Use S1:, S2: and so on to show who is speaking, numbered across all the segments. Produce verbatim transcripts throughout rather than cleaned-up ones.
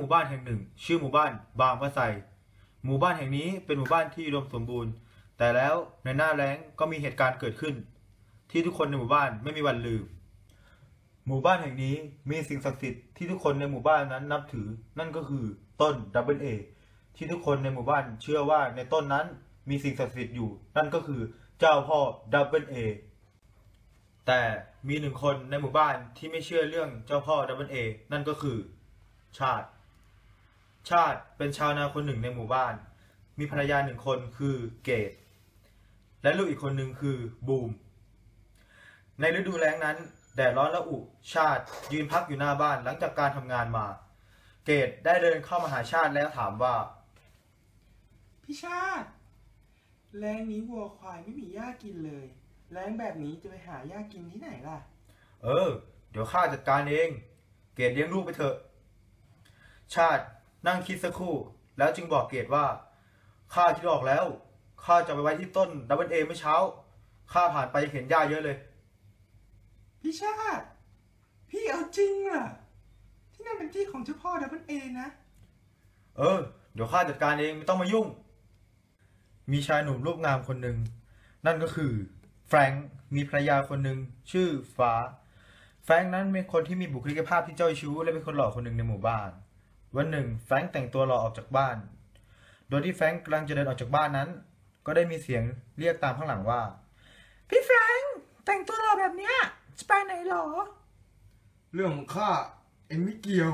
S1: มู่บ้านแห่งหนึ่งชื่อหมู่บ้านบางพระไทรหมู่บ้านแห่งนี้เป็นหมู่บ้านที่อุดมสมบูรณ์แต่แล้วในหน้าแล้งก็มีเหตุการณ์เกิดขึ้นที่ทุกคนในหมู่บ้านไม่มีวันลืมหมู่บ้านแห่งนี้มีสิ่งศักดิ์สิทธิ์ที่ทุกคนในหมู่บ้านนั้นนับถือนั่นก็คือต้นดับเบิลเอที่ทุกคนในหมู่บ้านเชื่อว่าในต้นนั้นมีสิ่งศักดิ์สิทธิ์อยู่นั่นก็คือเจ้าพ่อดับเบิลเอแต่มีหนึ่งคนในหมู่บ้านที่ไม่เชื่อเรื่องเจ้าพ่อดับเบิลเอนั่นก็คือชาติชาติเป็นชาวนาคนหนึ่งในหมู่บ้านมีภรรยาหนึ่งคนคือเกตและลูกอีกคนหนึ่งคือบูมในฤดูแล้งนั้นแดดร้อนและอุชาติยืนพักอยู่หน้าบ้านหลังจากการทำงานมาเกตได้เดินเข้ามาหาชาติแล้วถามว่า
S2: พี่ชาติแล้งนี้วัวควายไม่มีหญ้ากินเลยแล้งแบบนี้จะไปหาหญ้ากินที่ไหนล่ะ
S1: เออเดี๋ยวข้าจัดการเองเกตเลี้ยงลูกไปเถอะชาตินั่งคิดสักครู่แล้วจึงบอกเกตว่าข้าคิดออกแล้วข้าจะไปไว้ที่ต้นดับเบิลเอเมื่อเช้าข้าผ่านไปเห็นหญ้าเยอะเลย
S2: พี่ชาติพี่เอาจริงเหรอที่นั่นเป็นที่ของเจ้าพ่อดับเบิลเอนะ
S1: เออเดี๋ยวข้าจัดการเองไม่ต้องมายุ่งมีชายหนุ่มรูปงามคนหนึ่งนั่นก็คือแฟรงค์มีภรรยาคนหนึ่งชื่อฟ้าแฟรงค์นั้นเป็นคนที่มีบุคลิกภาพที่เจ้าชู้และเป็นคนหล่อคนหนึ่งในหมู่บ้านวันหนึ่งแฟรงค์แต่งตัวหล่อออกจากบ้านโดยที่แฟรงค์กำลังจะเดินออกจากบ้านนั้นก็ได้มีเสียงเรียกตามข้างหลังว่าพี่แฟรงค์แต่งตัวหล่อแบบเนี้ยจะไปไหนหรอ
S2: เรื่องของข้าเอ็งไม่เกี่ยว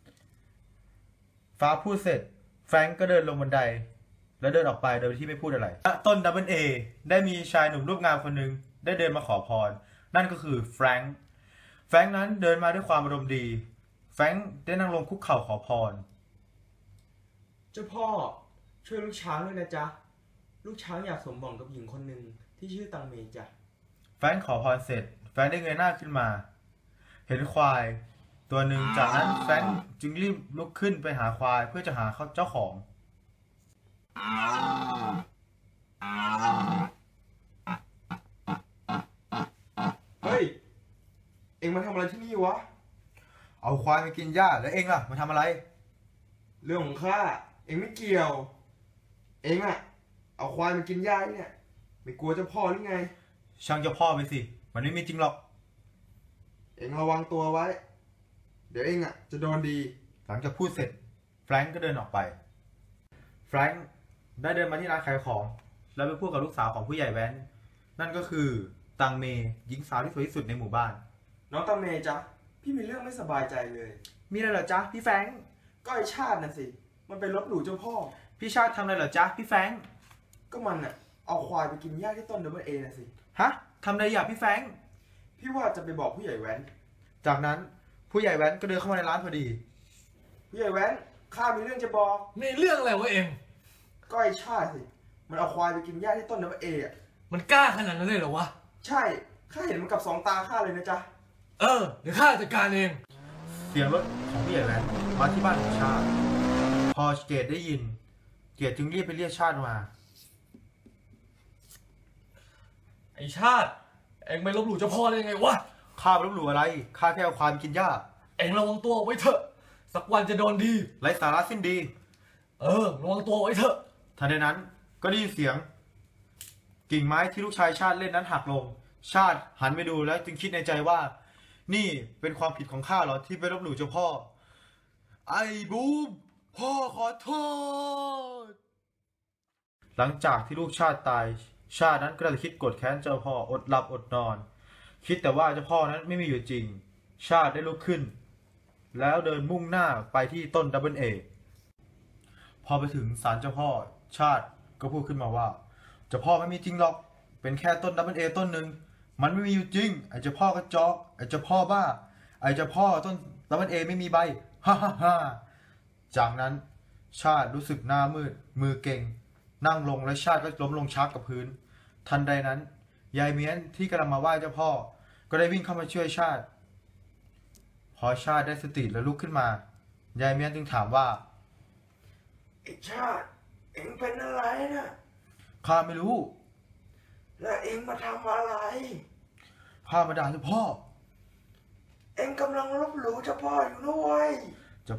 S1: ฟ้าพูดเสร็จแฟรงค์ก็เดินลงบันไดแล้วเดินออกไปโดยที่ไม่พูดอะไรต้นดับเบิลเอได้มีชายหนุ่มรูปงามคนหนึ่งได้เดินมาขอพรนั่นก็คือแฟรงค์แฟรงค์นั้นเดินมาด้วยความอารมณ์ดีแฟรงค์ได้นั่งลงคุกเข่าขอพร
S2: เจ้าพ่อช่วยลูกช้างด้วยนะจ๊ะลูกช้างอยากสมหวังกับหญิงคนหนึ่งที่ชื่อตังเมจ้ะ
S1: แฟรงค์ขอพรเสร็จแฟรงค์ได้เงยหน้าขึ้นมาเห็นควายตัวหนึ่งจากนั้นแฟรงค์จึงรีบลุกขึ้นไปหาควายเพื่อจะหาเจ้าของ
S2: เฮ้ยเอ็งมาทำอะไรที่นี่วะ
S1: เอาควายมากินหญ้าแล้วเอ็งล่ะมาทำอะไร
S2: เรื่องของข้าเอ็งไม่เกี่ยวเอ็งอะเอาควายมากินหญ้าเนี่ยไม่กลัวเจ้าพ่อหรือไง
S1: ช่างเจ้าพ่อไปสิมันไม่มีจริงหรอก
S2: เอ็งระวังตัวไว้เดี๋ยวเอ็งอะจะโดนดี
S1: หลังจากพูดเสร็จแฟรงก์ก็เดินออกไปแฟรงก์ได้เดินมาที่ร้านขายของแล้วไปพูดกับลูกสาวของผู้ใหญ่แว้นนั่นก็คือตังเมหญิงสาวที่สวยที่สุดในหมู่บ้าน
S2: น้องตังเมจ๊ะพี่มีเรื่องไม่สบายใจเลย
S1: มีอะไรเหรอจ๊ะพี่แฟรงก์
S2: ก็ไอชาติน่ะสิมันไปลบหลู่เจ้าพ่อ
S1: พี่ชาติทำอะไรเหรอจ๊ะพี่แฟรงก์
S2: ก็มันอะเอาควายไปกินหญ้าที่ต้นดับเบิลเอน่ะสิ
S1: ฮะทำอะไรอย่าพี่แฟรงก์
S2: พี่ว่าจะไปบอกผู้ใหญ่แว้น
S1: จากนั้นผู้ใหญ่แว้นก็เดินเข้ามาในร้านพอดี
S2: ผู้ใหญ่แว้นข้ามีเรื่องจะบอก
S3: ในเรื่องอะไรวะเอง
S2: ก็ไอชาติสิมันเอาควายไปกินหญ้าที่ต้นดับเบิลเออะ
S3: มันกล้าขนาดนั้นเลยเหรอวะ
S2: ใช่ข้าเห็นมันกับสองตาข้าเลยนะจ๊ะ
S3: เออเดี๋ยวข้าจัดการเอง
S1: เสียงรถของผู้ใหญ่แว้นมาที่บ้านของชาติพอเกตได้ยินเกตจึงรีบไปเรียกชาติมา
S3: ไอชาติเอ็งไม่ลบหลู่เจ้าพ่อได้ยังไงวะ
S1: ข้าไม่ลบหลู่อะไรข้าแค่เอาควายไปกินหญ้า
S3: เอ็งระวังตัวไว้เถอะสักวันจะโดนดี
S1: ไร้สาระสิ้นดี
S3: เออระวังตัวไว้เถอะ
S1: ทันใดนั้นก็ได้ยินเสียงกิ่งไม้ที่ลูกชายชาติเล่นนั้นหักลงชาติหันไปดูแล้วจึงคิดในใจว่านี่เป็นความผิดของข้าเหรอที่ไปลบหลู่เจ้าพ่อไอ้บูมพ่อขอโทษหลังจากที่ลูกชาติตายชาตินั้นก็ได้คิดโกรธแค้นเจ้าพ่ออดหลับอดนอนคิดแต่ว่าเจ้าพ่อนั้นไม่มีอยู่จริงชาติได้ลุกขึ้นแล้วเดินมุ่งหน้าไปที่ต้นดับเบิลเอพอไปถึงศาลเจ้าพ่อชาติก็พูดขึ้นมาว่าเจ้าพ่อไม่มีจริงหรอกเป็นแค่ต้นดับเบิลเอต้นหนึ่งมันไม่มีอยู่จริงไอ้เจ้าพ่อกระจอกไอ้เจ้าพ่อบ้าไอ้เจ้าพ่อต้นดับเบิลเอไม่มีใบฮ่าฮ่าฮ่าจากนั้นชาติรู้สึกหน้ามืดมือเก่งนั่งลงและชาติก็ล้มลงชักกับพื้นทันใดนั้นยายเมียนที่กำลังมาไหว้เจ้าพ่อก็ได้วิ่งเข้ามาช่วยชาติพอชาติได้สติและลุกขึ้นมายายเมียนจึงถามว่า
S2: ไอ้ชาติเอ็งเป็นอะไรนะ
S1: ข้าไม่รู้
S2: แล้วเอ็งมาทำอะไร
S1: ข้ามาด่าเจ้าพ่อ
S2: เอ็งกำลังลบหลู่เจ้าพ่ออยู่ด้วยจะกล้าดี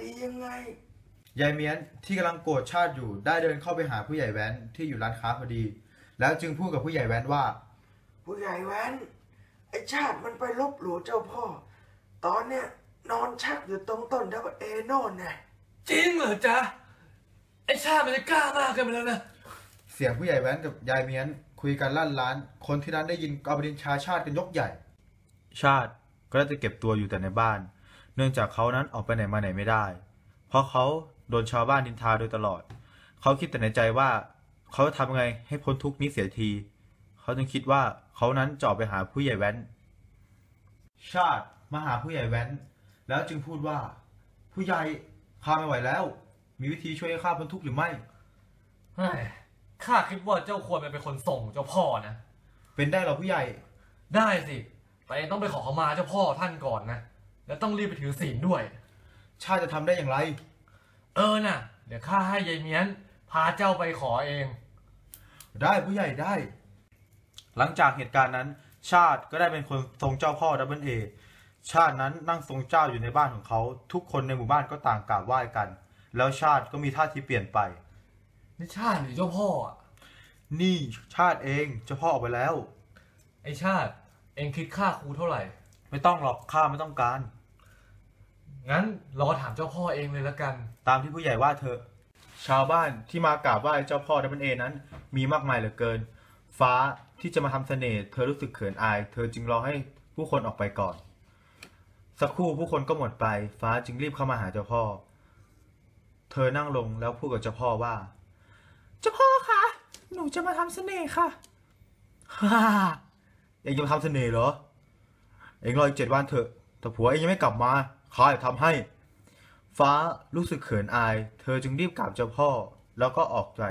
S2: ดียังไง
S1: ยายเมียนที่กำลังโกรธชาติอยู่ได้เดินเข้าไปหาผู้ใหญ่แว้นที่อยู่ร้านค้าพอดี แล้วจึงพูดกับผู้ใหญ่แว้นว่า
S2: ผู้ใหญ่แว้นไอชาติมันไปลบหลู่เจ้าพ่อ ตอนเนี้ยนอนชักอยู่ตรงต้นดับเอโน่นน่ะ
S3: จริงเหรอจ๊ะไอ้ชาติมันจะกล้ามากเกินไปแล้วนะ
S1: เสียงผู้ใหญ่แว้นกับยายเมียนคุยกันลั่นร้าน คนที่นั้นได้ยินก็เอาประเด็นชาชาติกันยกใหญ่ ชาติก็ได้จะเก็บตัวอยู่แต่ในบ้าน เนื่องจากเขานั้นออกไปไหนมาไหนไม่ได้ เพราะเขาโดนชาวบ้านนินทาโดยตลอด เขาคิดแต่ในใจว่าเขาจะทำยังไงให้พ้นทุกข์นี้เสียที เขาจึงคิดว่าเขานั้นจะออกไปหาผู้ใหญ่แว้น ชาติมาหาผู้ใหญ่แว้น แล้วจึงพูดว่า ผู้ใหญ่ข้าไม่ไหวแล้ว มีวิธีช่วยให้ข้าพ้นทุกข์หรือไม่
S3: เฮ้ยข้าคิดว่าเจ้าควรไปเป็นคนส่งเจ้าพ่อนะ
S1: เป็นได้หรอผู้ใหญ่
S3: ได้สิแต่ต้องไปขอขมาเจ้าพ่อท่านก่อนนะ แล้วต้องรีบไปถือศีลด้วย
S1: ชาติจะทำได้อย่างไร
S3: เออน่ะ เดี๋ยวข้าให้ยายเมียนพาเจ้าไปขอเอง
S1: ได้ผู้ใหญ่ได้ หลังจากเหตุการณ์นั้น ชาติก็ได้เป็นคนทรงเจ้าพ่อดับเบิลเอ ชาตินั้นนั่งทรงเจ้าอยู่ในบ้านของเขา ทุกคนในหมู่บ้านก็ต่างกราบไหว้กัน แล้วชาติก็มีท่าทีเปลี่ยนไป
S3: นี่ชาติหรือเจ้าพ่ออ่ะ
S1: นี่ชาติเองเจ้าพ่อออกไปแล้ว
S3: ไอชาติ เองคิดค่าครูเท่าไหร่
S1: ไม่ต้องหรอกข้าไม่ต้องการ
S3: งั้นรอถามเจ้าพ่อเองเลยละกัน
S1: ตามที่ผู้ใหญ่ว่าเถอะ ชาวบ้านที่มากราบไหว้เจ้าพ่อดับเบิลเอนั้น มีมากมายเหลือเกิน ฟ้าที่จะมาทำเสน่ห์เธอรู้สึกเขินอาย เธอจึงรอให้ผู้คนออกไปก่อน สักครู่ผู้คนก็หมดไป ฟ้าจึงรีบเข้ามาหาเจ้าพ่อ เธอนั่งลงแล้วพูดกับเจ้าพ่อว่า เจ้าพ่อคะหนูจะมาทำเสน่ห์ค่ะ ฮ่าเองจะมาทำเสน่ห์เหรอ เองรออีกเจ็ดวันเถอะแต่ผัวเองยังไม่กลับมาข้าจะทำให้ ฟ้ารู้สึกเขินอาย เธอจึงรีบกราบเจ้าพ่อแล้วก็ออกใจ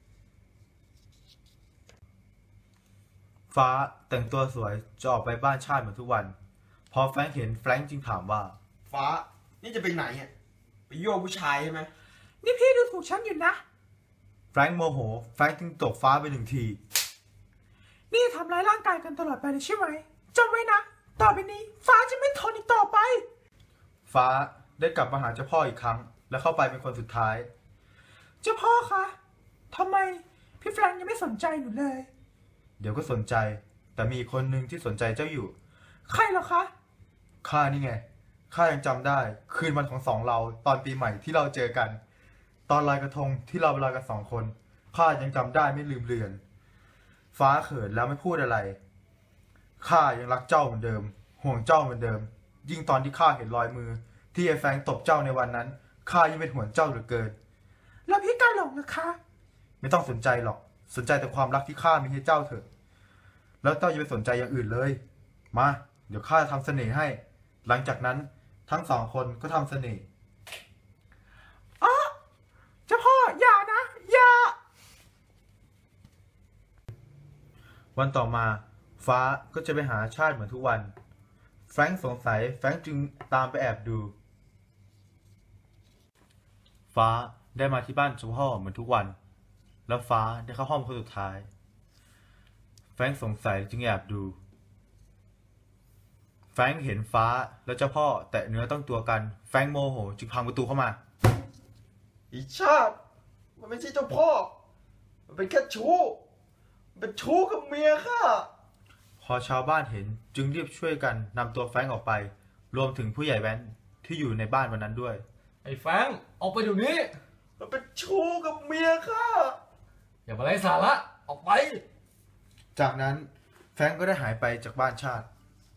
S1: ฟ้าแต่งตัวสวยจะออกไปบ้านชาติเหมือนทุกวัน พอแฟรงค์เห็นแฟรงค์จึงถามว่า
S2: ฟ้า นี่จะไปไหนอ่ะ ไปโยกผู้ชายใช่ไหม
S4: นี่พี่ดูถูกฉันอยู่นะ
S1: แฟรงค์โมโห แฟรงค์จึงตบฟ้าไปหนึ่งที
S4: นี่ทำร้ายร่างกายกันตลอดไปเลยใช่ไหมจำไว้นะ ต่อไปนี้ ฟ้าจะไม่ทนอีกต่อไป
S1: ฟ้าได้กลับมาหาเจ้าพ่ออีกครั้ง และเข้าไปเป็นคนสุดท้าย
S4: เจ้าพ่อคะทำไมพี่แฟรงค์ยังไม่สนใจหนูเลย
S1: เดี๋ยวก็สนใจ แต่มีคนหนึ่งที่สนใจเจ้าอยู่
S4: ใครเหรอคะ
S1: ข้านี่ไง ข้ายังจำได้ คืนวันของสองเราตอนปีใหม่ที่เราเจอกัน ตอนลอยกระทงที่เราไปลอยกันสองคน ข้ายังจำได้ไม่ลืมเลือน ฟ้าเขินแล้วไม่พูดอะไร ข้ายังรักเจ้าเหมือนเดิม ห่วงเจ้าเหมือนเดิม ยิ่งตอนที่ข้าเห็นรอยมือ ที่ไอ้แฟรงค์ตบเจ้าในวันนั้น ข้ายิ่งเป็นห่วงเจ้าเหลือเกิน
S4: แล้วพี่กาหลงนะคะ
S1: ไม่ต้องสนใจหรอก สนใจแต่ความรักที่ข้ามีให้เจ้าเถอะ แล้วเจ้าอย่าไปสนใจอย่างอื่นเลย มา เดี๋ยวข้าจะทำเสน่ห์ให้ หลังจากนั้นทั้งสองคนก็ทำเสน่ห์
S4: อ๋อ เจ้าพ่ออย่านะ อย่า
S1: วันต่อมา ฟ้าก็จะไปหาชาติเหมือนทุกวัน แฟรงค์สงสัย แฟรงค์จึงตามไปแอบดู ฟ้าได้มาที่บ้านเจ้าพ่อเหมือนทุกวัน แล้วฟ้าได้เข้าห้องคนสุดท้าย แฟรงค์สงสัยจึงแอบดู แฟรงค์เห็นฟ้าและเจ้าพ่อแตะเนื้อต้องตัวกัน แฟรงค์โมโหจึงพังประตูเข้ามา
S2: อีชาติ มันไม่ใช่เจ้าพ่อ มันเป็นแค่ชู้ มันเป็นชู้กับเมียข้า
S1: พอชาวบ้านเห็นจึงรีบช่วยกันนำตัวแฟรงค์ออกไป รวมถึงผู้ใหญ่แว้นที่อยู่ในบ้านวันนั้นด้วย
S3: ไอ้แฟรงค์ออกไปเดี๋ยวนี้
S2: มันเป็นชู้กับเมียข้า
S3: อย่ามาไร้สาระ ออกไป
S1: จากนั้นแฟรงค์ก็ได้หายไปจากบ้านชาติ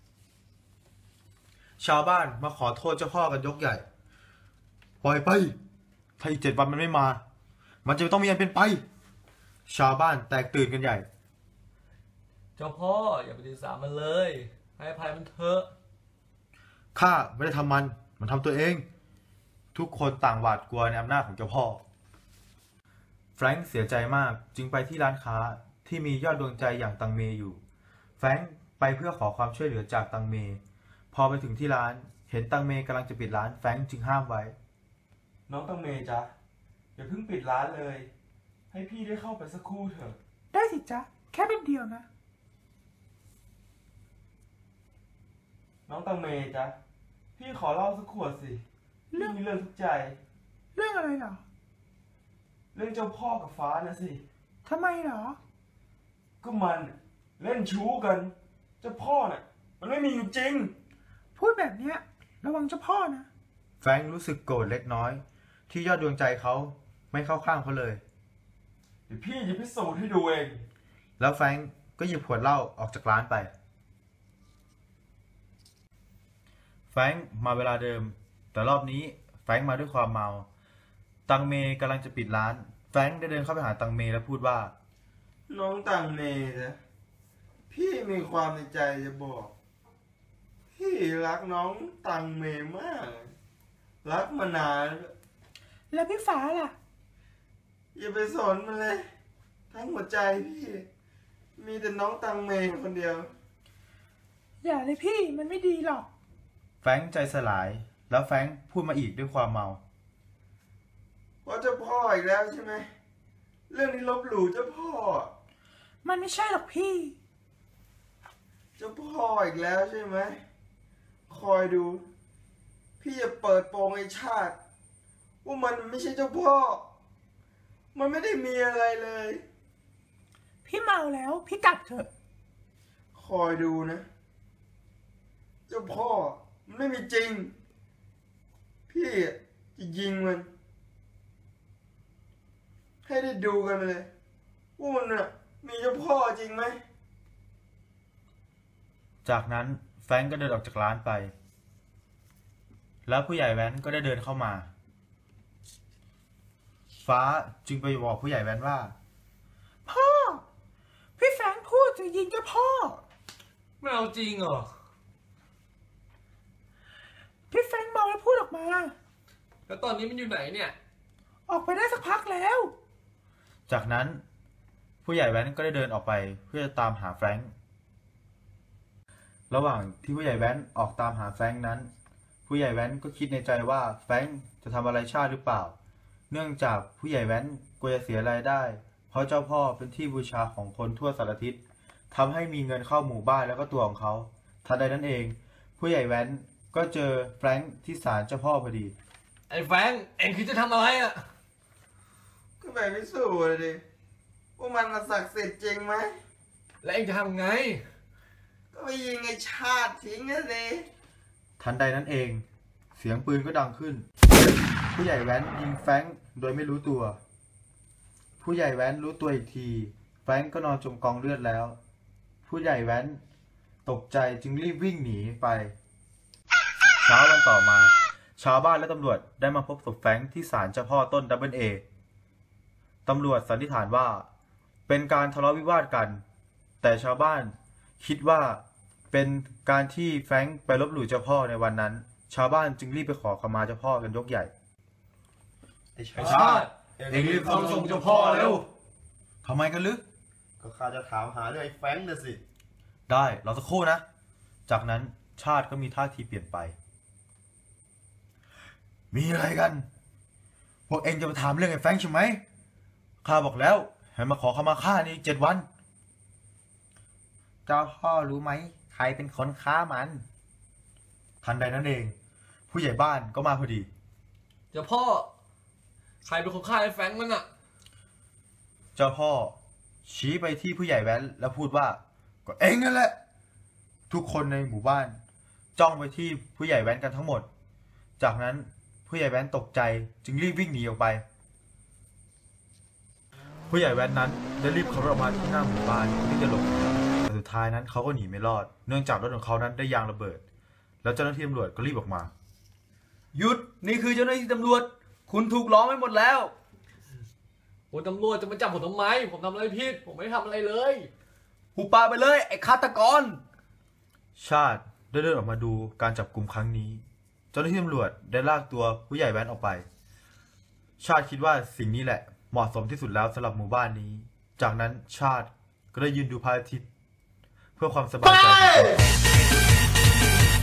S1: ชาวบ้านมาขอโทษเจ้าพ่อกันยกใหญ่ ปล่อยไป ถ้าอีกเจ็ดวันมันไม่มา มันจะต้องมีอันเป็นไป ชาวบ้านแตกตื่นกันใหญ่
S3: เจ้าพ่ออย่าไปถือสามันเลย ให้อภัยมันเถอะ
S1: ข้าไม่ได้ทำมัน มันทำตัวเอง ทุกคนต่างหวาดกลัวในอำนาจของเจ้าพ่อ แฟรงค์เสียใจมากจึงไปที่ร้านค้าที่มียอดดวงใจอย่างตังเมอยู่ แฟรงค์ไปเพื่อขอความช่วยเหลือจากตังเม พอไปถึงที่ร้านเห็นตังเมกำลังจะปิดร้าน แฟรงค์จึงห้ามไว้
S2: น้องตังเมจ๊ะ อย่าเพิ่งปิดร้านเลย ให้พี่ได้เข้าไปสักครู่เถอะ
S4: ได้สิจ๊ะ แค่เป็นเดียวนะ
S2: น้องตังเมจ๊ะ พี่ขอเหล้าสักขวดสิเรื่องเรื่องทุกข์ใจ
S4: เรื่องอะไรเหรอ
S2: เรื่องเจ้าพ่อกับฟ้านะสิ
S4: ทำไมเหรอ
S2: ก็มันเล่นชู้กัน เจ้าพ่อน่ะ มันไม่มีอยู่จริง
S4: พูดแบบเนี้ยระวังเจ้าพ่อนะ
S1: แฟรงค์รู้สึกโกรธเล็กน้อย ที่ยอดดวงใจเขาไม่เข้าข้างเขาเลย
S2: เดี๋ยวพี่จะพิสูจน์ให้ดูเอง
S1: แล้วแฟรงค์ก็หยิบขวดเหล้าออกจากร้านไป แฟรงค์มาเวลาเดิม แต่รอบนี้แฟรงค์มาด้วยความเมา ตังเมกำลังจะปิดร้าน แฟรงค์ได้เดินเข้าไปหาตังเมและพูดว่า
S2: น้องตังเมนะพี่มีความในใจจะบอก พี่รักน้องตังเมมาก รักมานาน
S4: แล้วพี่ฟ้าล่ะ
S2: อย่าไปสนมันเลย ทั้งหัวใจพี่ มีแต่น้องตังเมคนเดียว
S4: อย่าเลยพี่มันไม่ดีหรอก
S1: แฟรงค์ใจสลาย แล้วแฟรงค์พูดมาอีกด้วยความเมา
S2: เพราะเจ้าพ่ออีกแล้วใช่ไหม เรื่องนี้ลบหลู่เจ้าพ่อ
S4: มันไม่ใช่หรอกพี่
S2: เจ้าพ่ออีกแล้วใช่ไหม คอยดู พี่จะเปิดโปงไอ้ชาติ ว่ามันไม่ใช่เจ้าพ่อ มันไม่ได้มีอะไรเลย
S4: พี่เมาแล้วพี่กลับเถอะ
S2: คอยดูนะ เจ้าพ่อมันไม่มีจริง พี่จะยิงมัน ให้ได้ดูกันเลย ว่ามันน่ะมีเจ้าพ่อจริงไหม
S1: จากนั้นแฟรงค์ก็เดินออกจากร้านไป แล้วผู้ใหญ่แว้นก็ได้เดินเข้ามา ฟ้าจึงไปบอกผู้ใหญ่แว้นว่า
S4: พ่อ พี่แฟรงค์พูดจะยิงเจ้าพ่อ
S3: ไม่เอาจริงเหรอ
S4: พี่แฟรงค์เมาแล้วพูดออกมา
S3: แล้วตอนนี้มันอยู่ไหนเนี่ย
S4: ออกไปได้สักพักแล้ว
S1: จากนั้นผู้ใหญ่แว้นก็ได้เดินออกไปเพื่อจะตามหาแฟรงค์ ระหว่างที่ผู้ใหญ่แว้นออกตามหาแฟรงค์นั้น ผู้ใหญ่แว้นก็คิดในใจว่าแฟรงค์จะทำอะไรชาติหรือเปล่า เนื่องจากผู้ใหญ่แว้นกลัวจะเสียรายได้ เพราะเจ้าพ่อเป็นที่บูชาของคนทั่วสารทิศทำให้มีเงินเข้าหมู่บ้านแล้วก็ตัวของเขา ทันใดนั้นเอง ผู้ใหญ่แว้นก็เจอแฟรงค์ที่ศาลเจ้าพ่อพอดี
S3: ไอ้แฟรงค์เอ็งคิดจะทำอะไรอ่ะ
S2: ก็ไปพิสูจน์เลยดิ ว่ามันน่ะศักดิ์สิทธิ์จริงไหม
S3: แล้วเอ็งจะทำไง
S2: ก็ไปยิงไอ้ชาติทิ้งนะสิ
S1: ทันใดนั้นเอง เสียงปืนก็ดังขึ้น ผู้ใหญ่แว้นยิงแฟรงค์โดยไม่รู้ตัว ผู้ใหญ่แว้นรู้ตัวอีกทีแฟรงค์ก็นอนจมกองเลือดแล้ว ผู้ใหญ่แว้นตกใจจึงรีบวิ่งหนีไปเช้าวันต่อมา ชาวบ้านและตำรวจได้มาพบศพแฟรงค์ที่ศาลเจ้าพ่อต้นดับเบิลเอตำรวจสันนิษฐานว่าเป็นการทะเลาะวิวาทกัน แต่ชาวบ้านคิดว่าเป็นการที่แฟรงค์ไปลบหลู่เจ้าพ่อในวันนั้น ชาวบ้านจึงรีบไปขอขมาเจ้าพ่อกันยกใหญ่
S2: ไอ้
S3: ไอ้ชาติ
S1: เอ็งรีบเข้าส่งเจ้าพ่อเร็วทำไมกันลึก
S5: ก็ข้าจะถามหาเรื่องไอ้แฟรงค์น่ะสิ
S1: ได้รอสักครู่นะ จากนั้นชาติก็มีท่าทีเปลี่ยนไป มีอะไรกัน พวกเองจะมาถามเรื่องไอ้แฟรงค์ใช่ไหมข้าบอกแล้วให้มาขอขมาข้านี่เจ็ดวัน เจ้าพ่อรู้ไหมใครเป็นคนฆ่ามัน ทันใดนั้นเอง ผู้ใหญ่บ้านก็มาพอดี
S3: เจ้าพ่อ ใครเป็นคนฆ่าไอ้แฟรงค์นั่นอ่ะ
S1: เจ้าพ่อ ชี้ไปที่ผู้ใหญ่แว้นแล้วพูดว่า ก็เองนั่นแหละ ทุกคนในหมู่บ้าน จ้องไปที่ผู้ใหญ่แว้นกันทั้งหมด จากนั้นผู้ใหญ่แว้นตกใจจึงรีบวิ่งหนีออกไป ผู้ใหญ่แว้นนั้นได้รีบขับรถออกมาที่หน้าหมู่บ้านที่จะหลบหนีแต่สุดท้ายนั้นเขาก็หนีไม่รอด เนื่องจากรถของเขานั้นได้ยางระเบิด แล้วเจ้าหน้าที่ตำรวจก็รีบออกมา
S6: หยุด นี่คือเจ้าหน้าที่ตำรวจ คุณถูกล้อมไปหมดแล้ว
S3: โอ้ยตำรวจจะมาจับผมทำไม ผมทำอะไรผิด ผมไม่ได้ทำอะไรเลย
S6: หูปาไปเลย ไอ้ฆาตกร
S1: ชาติได้เดินออกมาดูการจับกลุ่มครั้งนี้ เจ้าหน้าที่ตำรวจได้ลากตัวผู้ใหญ่แว้นออกไป ชาติคิดว่าสิ่งนี้แหละเหมาะสมที่สุดแล้วสำหรับหมู่บ้านนี้ จากนั้นชาติก็ได้ยืนดูพระอาทิตย์เพื่อความสบายใจของตัว